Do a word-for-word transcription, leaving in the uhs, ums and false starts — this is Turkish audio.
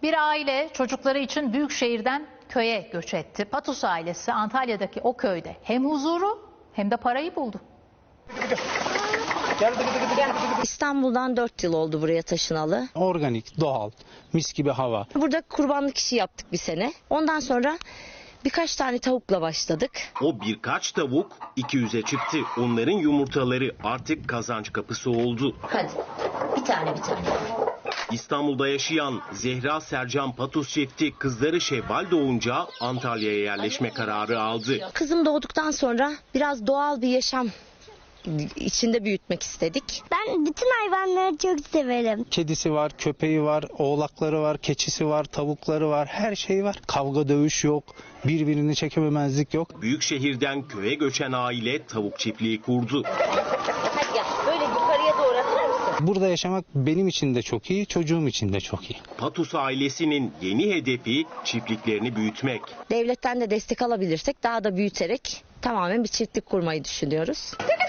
Bir aile çocukları için büyük şehirden köye göç etti. Patus ailesi Antalya'daki o köyde hem huzuru hem de parayı buldu. İstanbul'dan dört yıl oldu buraya taşınalı. Organik, doğal, mis gibi hava. Burada kurbanlık işi yaptık bir sene. Ondan sonra birkaç tane tavukla başladık. O birkaç tavuk iki yüze çıktı. Onların yumurtaları artık kazanç kapısı oldu. Hadi bir tane bir tane. İstanbul'da yaşayan Zehra Sercan Patus çifti kızları Şevval doğunca Antalya'ya yerleşme kararı aldı. Kızım doğduktan sonra biraz doğal bir yaşam içinde büyütmek istedik. Ben bütün hayvanları çok severim. Kedisi var, köpeği var, oğlakları var, keçisi var, tavukları var, her şey var. Kavga dövüş yok, birbirini çekememezlik yok. Büyük şehirden köye göçen aile tavuk çiftliği kurdu. Hadi gel böyle yukarıya doğru atar mısın? Burada yaşamak benim için de çok iyi, çocuğum için de çok iyi. Patus ailesinin yeni hedefi çiftliklerini büyütmek. Devletten de destek alabilirsek daha da büyüterek tamamen bir çiftlik kurmayı düşünüyoruz.